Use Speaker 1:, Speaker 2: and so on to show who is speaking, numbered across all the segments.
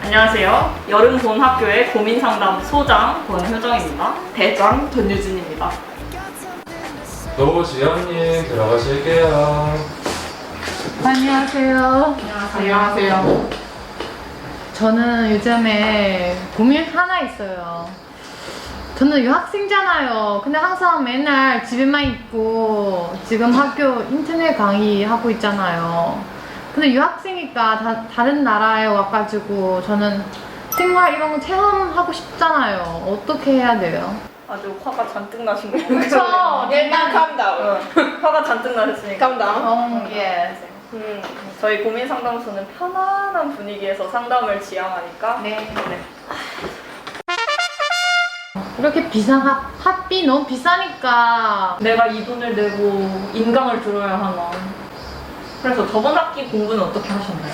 Speaker 1: 안녕하세요. 여름 본 학교의 고민상담 소장 권효정입니다. 대장 전유진입니다.
Speaker 2: 노지연님 들어가실게요.
Speaker 3: 안녕하세요.
Speaker 1: 안녕하세요.
Speaker 3: 저는 요즘에 고민 하나 있어요. 저는 유학생잖아요. 근데 항상 맨날 집에만 있고 지금 학교 인터넷 강의 하고 있잖아요. 근데 유학생이니까 다른 나라에 와가지고 저는 생활 이런 거 체험하고 싶잖아요. 어떻게 해야 돼요?
Speaker 1: 아주 화가 잔뜩 나신 거 같아요.
Speaker 3: 그쵸?
Speaker 4: 일단 calm down.
Speaker 1: 화가 잔뜩 나셨으니까.
Speaker 4: calm down.
Speaker 3: 예.
Speaker 1: 저희 고민 상담소는 편안한 분위기에서 상담을 지향하니까
Speaker 3: 네. 이렇게 비싼 학비 너무 비싸니까.
Speaker 1: 내가 이 돈을 내고 인강을 들어야 하나. 그래서 저번 학기 공부는 어떻게 하셨나요?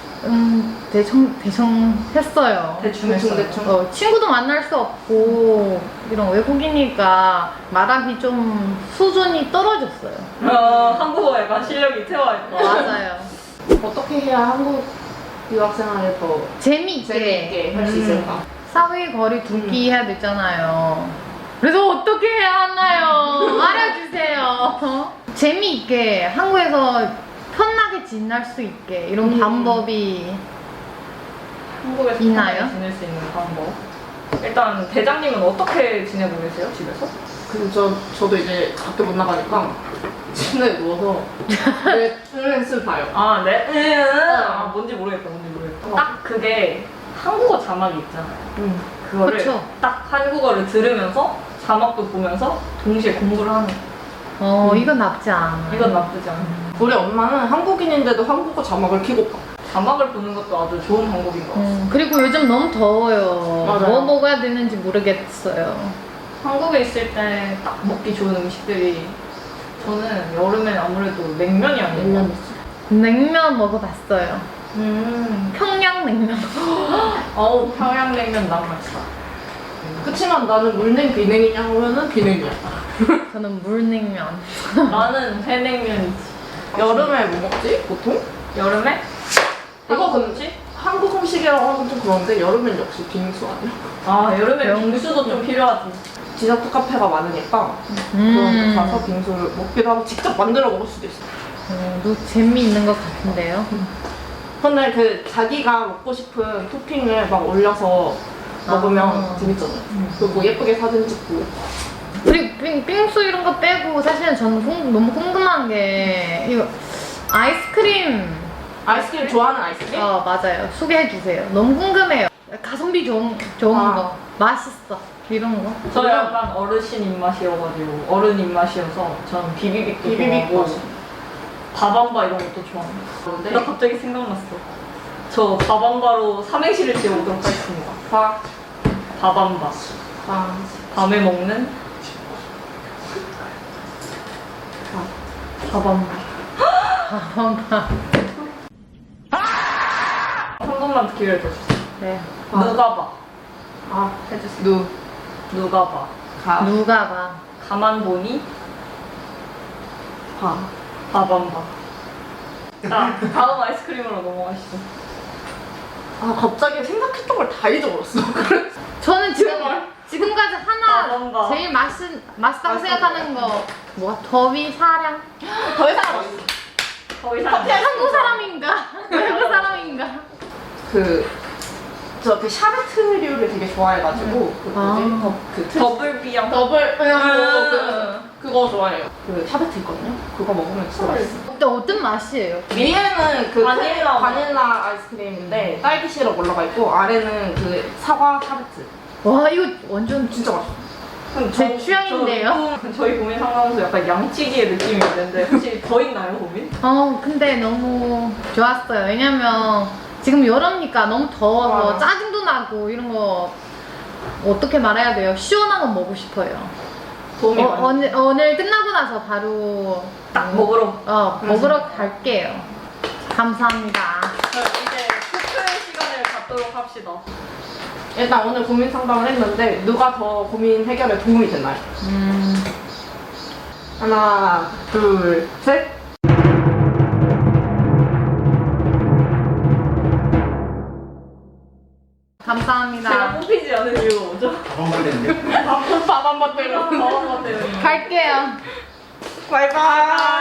Speaker 3: 대충 했어요.
Speaker 1: 대충 했어요.
Speaker 3: 친구도 만날 수 없고 이런 외국이니까 말하기 좀 수준이 떨어졌어요.
Speaker 1: 한국어 약간 실력이 퇴화했다.
Speaker 3: 맞아요.
Speaker 4: 어떻게 해야 한국 유학생활을 더
Speaker 3: 재미있게
Speaker 4: 할 수 있을까?
Speaker 3: 사회 거리 두기 해야 되잖아요. 그래서 어떻게 해야 하나요? 말해주세요. 재미있게 한국에서 편하게 지낼 수 있게 이런 방법이
Speaker 1: 한국에서
Speaker 3: 있나요?
Speaker 1: 편하게 지낼 수 있는 방법. 일단 대장님은 어떻게 지내고 계세요? 집에서?
Speaker 4: 저도 이제 밖에 못 나가니까 침대에 누워서 넷플릭스를 봐요.
Speaker 1: 아, 네? 뭔지 모르겠다. 딱 그게 한국어 자막이 있잖아요. 그거를
Speaker 3: 그쵸.
Speaker 1: 딱 한국어를 들으면서 자막도 보면서 동시에 공부를 하는 거.
Speaker 3: 이건 나쁘지 않아.
Speaker 1: 이건 나쁘지 않아요.
Speaker 4: 우리 엄마는 한국인인데도 한국어 자막을 켜고 봐.
Speaker 1: 자막을 보는 것도 아주 좋은 방법인 것 같아요.
Speaker 3: 그리고 요즘 너무 더워요.
Speaker 4: 맞아요.
Speaker 3: 뭐 먹어야 되는지 모르겠어요.
Speaker 1: 한국에 있을 때 딱 먹기 좋은 음식들이 저는 여름엔 아무래도 냉면이 아니에요.
Speaker 3: 냉면 먹어봤어요. 평양냉면.
Speaker 1: 어우, 평양냉면 너무 맛있어.
Speaker 4: 그치만 나는 물냉 비냉이냐 하면은 비냉이야.
Speaker 3: 저는 물냉면.
Speaker 1: 나는 회냉면이지.
Speaker 4: 여름에 뭐 먹지? 보통?
Speaker 1: 여름에?
Speaker 4: 이거 근데
Speaker 1: 뭐지?
Speaker 4: 한국 음식이라고 하면 좀 그런데 여름엔 역시 빙수 아니야?
Speaker 1: 아, 여름에 빙수도 좀 필요하지.
Speaker 4: 디저트 카페가 많으니까 그런 데 가서 빙수를 먹기도 하고 직접 만들어 먹을 수도 있어.
Speaker 3: 재미있는 것 같은데요.
Speaker 4: 근데 그 자기가 먹고 싶은 토핑을 막 올려서 먹으면 재밌잖아요. 그리고 예쁘게 사진 찍고.
Speaker 3: 그리고 빙수 이런 거 빼고 사실은 저는 너무 궁금한 게 이거 아이스크림.
Speaker 4: 아이스크림 좋아하는 아이스크림?
Speaker 3: 맞아요. 소개해 주세요. 너무 궁금해요. 가성비 좋은 거, 맛있어 이런 거.
Speaker 1: 저 약간 어르신 입맛이어가지고 어른 입맛이어서 저는 비비빅도 좋아하고 밥안바 이런 것도 좋아합니다. 나 갑자기 생각났어. 저 밥안바로 삼행시를 지어보도록 하겠습니다. 밥안바. 밤에 먹는 밥안바. 한 번만 기회를 더 주세요.
Speaker 3: 네.
Speaker 1: 누가 봐.
Speaker 4: 누.
Speaker 1: 누가 봐.
Speaker 3: 누가 봐.
Speaker 1: 가만 보니 밥안바. 자, 다음 아이스크림으로 넘어가시죠.
Speaker 4: 갑자기 생각했던 걸 다 잊어버렸어.
Speaker 3: 저는 지금까지 하나
Speaker 1: 밥안바.
Speaker 3: 제일 맛있다고 생각하는 거 뭐가 더위 사랑.
Speaker 4: 더 이상
Speaker 1: 더 이상
Speaker 3: 한국 사람인가? 외국 사람인가?
Speaker 4: 그 샤베트류를 되게 좋아해가지고 그 뭐지? 그
Speaker 1: 더블 비앙.
Speaker 4: 더블 그거 좋아해요. 그 샤베트 있거든요. 그거 먹으면 진짜 맛있어.
Speaker 3: 근데 어떤 맛이에요?
Speaker 4: 위에는 그
Speaker 1: 바닐라
Speaker 4: 바닐라 아이스크림인데 딸기 시럽 올라가 있고 아래는 그 사과 샤베트.
Speaker 3: 와 이거 완전
Speaker 4: 진짜 맛있어.
Speaker 3: 제 취향인데요?
Speaker 1: 저희 고민 상담소 약간 양치기의 느낌이 있는데 혹시 더 있나요, 고민?
Speaker 3: 근데 너무 좋았어요. 왜냐면 지금 여름이니까 너무 더워서 짜증도 나고 이런 거 어떻게 말해야 돼요? 시원한 거 먹고 싶어요.
Speaker 1: 도움이 많이
Speaker 3: 오늘 끝나고 나서 바로
Speaker 1: 딱 먹으러.
Speaker 3: 먹으러 갈게요. 감사합니다.
Speaker 1: 이제 투표의 시간을 갖도록 합시다.
Speaker 4: 일단 오늘 고민 상담을 했는데 누가 더 고민 해결에 도움이 됐나요? 하나, 둘, 셋.
Speaker 3: 감사합니다.
Speaker 1: 제가 뽑히지 않은 이유가 뭐죠?
Speaker 5: 밥한 됐는데.
Speaker 4: 밥한 번 때려.
Speaker 1: 밥한바 때문에.
Speaker 3: 갈게요.
Speaker 4: 바이바이.